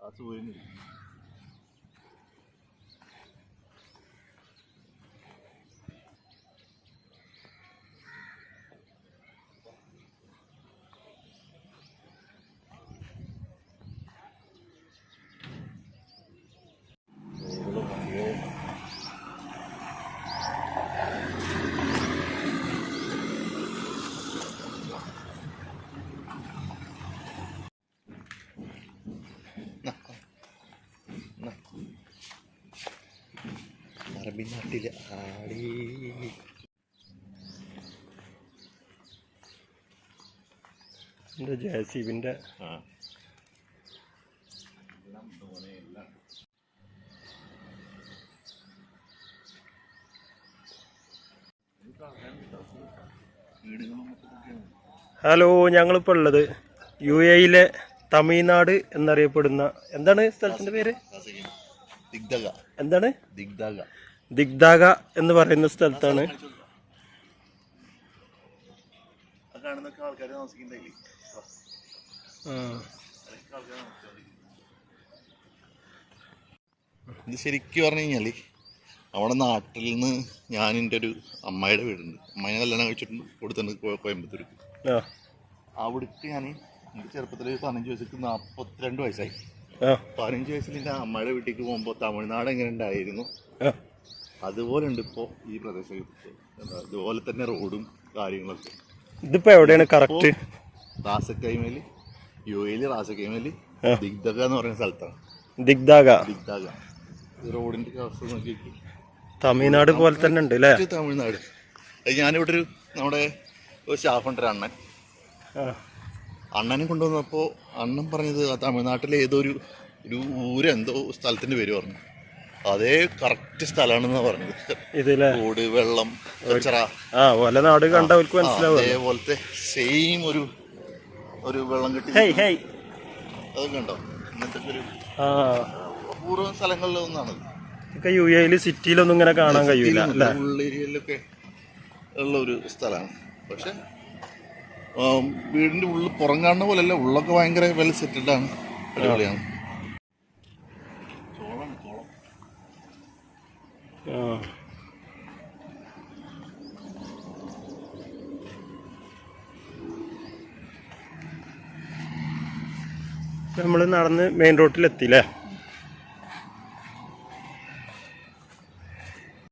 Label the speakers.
Speaker 1: ആ സൂര്യൻ അറബി നാട്ടിലെ ആടി
Speaker 2: ജെസിബിന്റെ ഹലോ, ഞങ്ങളിപ്പോൾ ഉള്ളത് UAE തമിഴ്നാട് എന്നറിയപ്പെടുന്ന എന്താണ് സ്ഥലത്തിന്റെ പേര്? എന്താണ്? ദിഗ്ദാഗ എന്ന് പറയുന്ന സ്ഥലത്താണ്.
Speaker 1: ഇത് ശരിക്കും പറഞ്ഞു കഴിഞ്ഞാൽ അവിടെ നാട്ടിൽ നിന്ന് ഞാൻ എൻ്റെ ഒരു അമ്മായിയുടെ വീടുണ്ട്. അമ്മായിനെ കല്യാണം കഴിച്ചിട്ടുണ്ട്, കൊടുത്തിട്ടുണ്ട് കോയമ്പത്തൂർക്ക്. അവിടേക്ക് ഞാൻ എൻ്റെ ചെറുപ്പത്തിൽ 15 വയസ്സിലേക്ക് 42 വയസ്സായി. 15 വയസ്സിൽ എൻ്റെ അമ്മയുടെ വീട്ടിലേക്ക് പോകുമ്പോൾ തമിഴ്നാട് എങ്ങനെ ഉണ്ടായിരുന്നു അതുപോലെ ഉണ്ട് ഇപ്പോൾ ഈ പ്രദേശത്ത്. അതുപോലെ തന്നെ റോഡും കാര്യങ്ങളൊക്കെ.
Speaker 2: ഇതിപ്പോ എവിടെയാണ് കറക്റ്റ്?
Speaker 1: റാസക്കൈമേല്, UAE റാസക്കൈമേല് ദിഗ്ദാഗ എന്ന് പറയുന്ന സ്ഥലത്താണ്.
Speaker 2: ദിഗ്ദാഗ
Speaker 1: റോഡിന്റെ അവസ്ഥ നോക്കി.
Speaker 2: തമിഴ്നാട് പോലെ തന്നെ ഉണ്ട് അല്ലേ?
Speaker 1: തമിഴ്നാട്. ഞാനിവിടെ ഒരു നമ്മുടെ ഒരു സ്റ്റാഫുണ്ട്, ഒരു അണ്ണനെ കൊണ്ടുവന്നപ്പോൾ അണ്ണൻ പറഞ്ഞത് തമിഴ്നാട്ടിലെ ഏതോ ഒരു ഊരെന്തോ സ്ഥലത്തിന്റെ പേര് പറഞ്ഞു. അതേ കറക്റ്റ് സ്ഥലമാണെന്നാ പറഞ്ഞത്.
Speaker 2: ഇതിലെ
Speaker 1: റോഡ്, വെള്ളം,
Speaker 2: നാട് കണ്ടവർക്ക് മനസ്സിലാവും.
Speaker 1: അതേപോലത്തെ സെയിം ഒരു വെള്ളം കെട്ടി അതൊക്കെ ഉണ്ടോ? ഇങ്ങനത്തെ ഒരു അപൂർവ സ്ഥലങ്ങളിൽ ഒന്നാണ്.
Speaker 2: UAE സിറ്റിയിലൊന്നും ഇങ്ങനെ കാണാൻ കഴിയില്ല.
Speaker 1: ഉള്ളേരിയയിലൊക്കെ ഉള്ള ഒരു സ്ഥലമാണ്. പക്ഷെ വീടിന്റെ ഉള്ളിൽ പുറം കാണുന്ന പോലെയല്ല, ഉള്ളൊക്കെ ഭയങ്കര വെൽ സെറ്റിൽഡാണ്, അടിപൊളിയാണ്.
Speaker 2: നമ്മൾ നടന്ന് മെയിൻ റോഡിലെത്തിയില്ലേ?